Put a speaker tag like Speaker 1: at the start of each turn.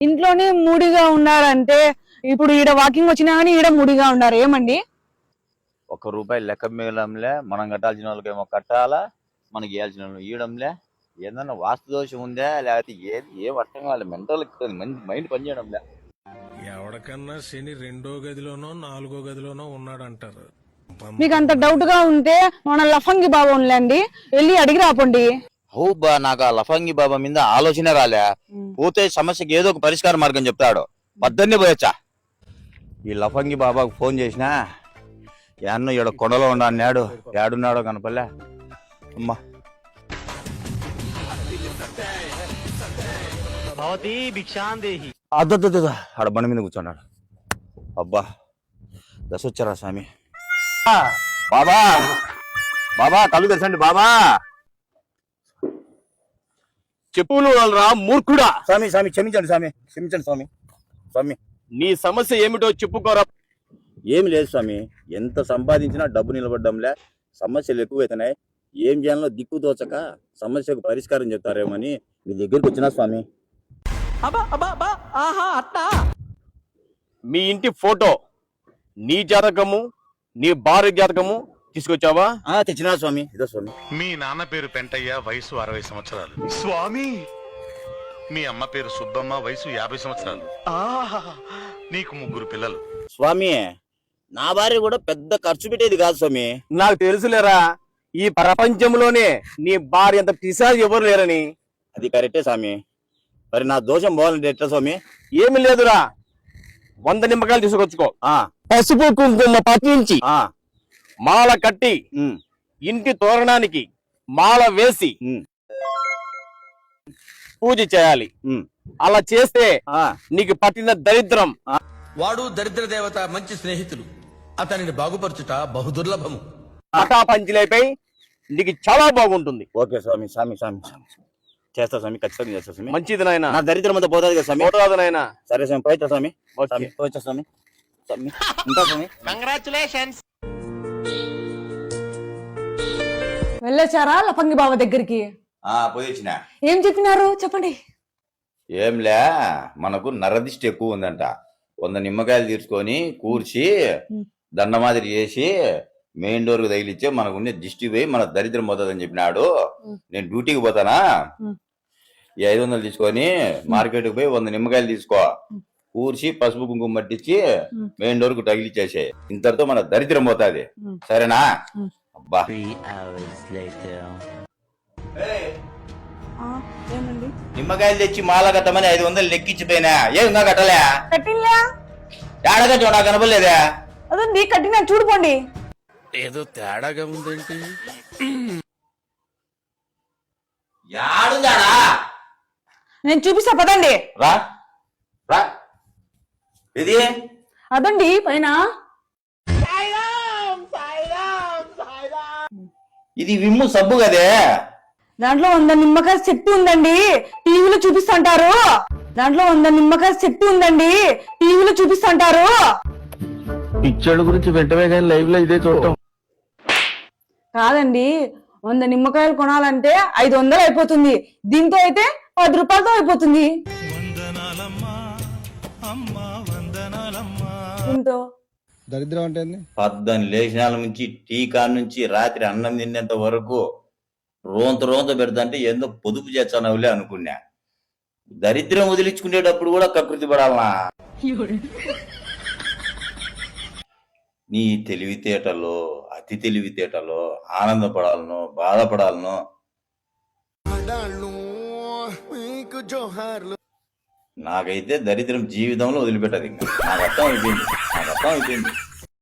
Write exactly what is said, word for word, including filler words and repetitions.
Speaker 1: ఇంట్లోనే మూడిగా ఉన్నారంటే ఇప్పుడు ఈడ వాకింగ్ వచ్చినా కానీ ఈడ మూడిగా ఉన్నారు ఏమండి?
Speaker 2: ఒక్క రూపాయి లెక్క మిగలంలే, మనం కట్టాల్సిన వాళ్ళకేమో కట్టాలా, మనకి ఇవ్వాల్సిన వాళ్ళు ఇవ్వడంలే. ఏదన్నా వాస్తు దోషం ఉందా లేకపోతే ఏది ఏం అర్థం కావాలి, మెంటల్ మైండ్ పనిచేయడంలే.
Speaker 3: ఎవరికన్నా శని రెండో గదిలోనో నాలుగో గదిలోనో ఉన్నాడంటారు.
Speaker 1: మీకు అంత డౌట్ గా ఉంటే మన లఫంగి బాబా ఉండండి, వెళ్ళి అడిగి రాపండి.
Speaker 2: హౌ బా, నాకు ఆ లఫంగి బాబా మీద ఆలోచన రాలే. పోతే సమస్యకి ఏదో ఒక పరిష్కార మార్గం చెప్తాడు. పద్దన్నే పోయొచ్చా. ఈ లఫంగి బాబాకు ఫోన్ చేసినా యాన్నో ఈడ కొండలో ఉండా అన్నాడు. ఏడున్నాడో కనపల్లే. అమ్మా అద్దద్దు ఆడ బండి మీద కూర్చున్నాడు. అబ్బా దశ వచ్చారా స్వామి. బాబా బాబా కళ్ళు తెరచండి బాబా.
Speaker 4: చెప్పులు రా మూర్ఖుడా.
Speaker 2: స్వామి స్వామి క్షమించండి స్వామి, క్షమించండి స్వామి. స్వామి
Speaker 4: నీ సమస్య ఏమిటో చెప్పుకోరా.
Speaker 2: ఏమి లేదు స్వామి, ఎంత సంపాదించినా డబ్బు నిలబడ్డంలే, సమస్యలు ఎక్కువైతున్నాయి. ఏం చేయాలో దిక్కు తోచక సమస్యకు పరిష్కారం చెప్తారేమని మీ దగ్గరికి వచ్చినా స్వామి.
Speaker 4: మీ ఇంటి ఫోటో, నీ జాతకము, నీ భార్య జాతకము తీసుకొచ్చావా?
Speaker 2: ఆ తెచ్చినా స్వామి. ఇదో స్వామి.
Speaker 5: మీ నాన్న పేరు పెంటయ్య, వయసు అరవై సంవత్సరాలు. స్వామి మీ అమ్మ పేరు సుబ్బమ్మ, వయసు యాభై సంవత్సరాలు. ఆహా నీకు ముగ్గురు పిల్లలు.
Speaker 2: స్వామి నా భార్య కూడా పెద్ద ఖర్చు పెట్టేది కాదు స్వామి.
Speaker 4: నాకు తెలుసులేరా, ఈ ప్రపంచంలోనే నీ భార్య అంత పిశాచి ఎవరు లేరని.
Speaker 2: అది కరెక్టే స్వామి. మరి నా దోషం పోవాలంటే ఎట్లా స్వామి?
Speaker 4: ఏమి లేదురా, వంద నిమ్మకాయలు తీసుకొచ్చుకో.
Speaker 2: ఆ
Speaker 4: పసుపు కుంకుమ పట్టించి
Speaker 2: ఆ
Speaker 4: మాల కట్టి
Speaker 2: ఉమ్,
Speaker 4: ఇంటి తోరణానికి మాల వేసి
Speaker 2: ఉమ్,
Speaker 4: పూజ చేయాలి.
Speaker 2: ఉమ్,
Speaker 4: అలా చేస్తే
Speaker 2: ఆ
Speaker 4: నీకు పట్టిన దరిద్రం.
Speaker 6: వాడు దరిద్ర దేవత మంచి స్నేహితులు, అతనిని బాగుపరచుట బహుదుర్లభము.
Speaker 4: అటా పంచిలైపోయి నీకు చాలా బాగుంటుంది.
Speaker 2: ఓకే స్వామి. స్వామి స్వామి స్వామి చేస్తా స్వామి, ఖచ్చితంగా చేస్తా స్వామి.
Speaker 4: మంచిది నాయన,
Speaker 2: నా దరిద్రం అంతా పోతుంది కదా స్వామి.
Speaker 4: పోరాదు నాయన.
Speaker 2: సరే స్వామి, పోయితా స్వామి.
Speaker 4: ఓకే.
Speaker 2: స్వామి పోయితా స్వామి. స్వామి ఉంటా స్వామి.
Speaker 4: కంగ్రాచులేషన్స్.
Speaker 1: వెళ్ళొచ్చారా లఫంగి బాబా దగ్గరికి?
Speaker 2: ఆ పోయి వచ్చిన.
Speaker 1: ఏం చెప్పినారు చెప్పండి.
Speaker 2: ఏంలే, మనకు నరదిష్టి ఎక్కువ ఉందంట. వంద నిమ్మకాయలు తీసుకొని కూర్చి దండ మాదిరి చేసి మెయిన్ డోర్ కు తగిలిచ్చే మనకు ఉండే దిష్టి పోయి మన దరిద్రం పోతుందని చెప్పినాడు. నేను డ్యూటీకి పోతానా, ఈ ఐదు వందలు తీసుకొని మార్కెట్ కు పోయి వంద నిమ్మకాయలు తీసుకో, కూర్చి పసుపు కుంకుమ పట్టించి మెయిన్ డోర్ కు తగిలిచ్చేసే. ఇంతటితో మన దరిద్రం పోతాది. సరేనా? అబ్బా
Speaker 1: ఏమండి
Speaker 2: నిమ్మకాయలు తెచ్చి మాల కట్టమని ఐదు వందలు లెక్కించిపోయినా ఏం ఇంకా కట్టలే?
Speaker 1: కట్టిందా?
Speaker 2: ఏడగట్టు నాకు కనపడలేదా?
Speaker 1: అదండి కట్టినా చూడుకోండి.
Speaker 6: ఏదో తేడాగా ఉందేంటి?
Speaker 2: యాడుందాడా?
Speaker 1: నేను చూపిస్తా పదండి.
Speaker 2: రా రా. ఇది
Speaker 1: అదండి పైన.
Speaker 2: ఇది విమ్ము సబ్బు కదే.
Speaker 1: దాంట్లో వంద నిమ్మకాయ శక్తి ఉందండి, టీవీలో చూపిస్తుంటారు. దాంట్లో వంద నిమ్మకాయ శక్తి ఉందండి, టీవీలో చూపిస్తుంటారు.
Speaker 4: పిచ్చోళ్ళ గురించి వెంటనే కానీ లైవ్ లో ఇదే చూడటం
Speaker 1: కాదండి, వంద నిమ్మకాయలు కొనాలంటే ఐదు వందలు అయిపోతుంది. దీంతో అయితే పది రూపాయలతో అయిపోతుంది. దీంతో
Speaker 7: దరిద్రం అంటే
Speaker 2: పద్దని లేచినాల నుంచి టీకా నుంచి రాత్రి అన్నం తినేంత వరకు రోంత రోంత పెడతంటే ఏందో పొదుపు చేస్తానవులే అనుకున్నా. దరిద్రం వదిలించుకునేటప్పుడు కూడా కకృతి పడాలనా? నీ తెలివితేటలో అతి తెలివితేటలో ఆనందపడాలను బాధపడాలను నాకైతే దరిద్రం జీవితంలో వదిలిపెట్టదు. ఇంకా నాకు అర్థం అయిపోయింది, నాకు అర్థం అయిపోయింది.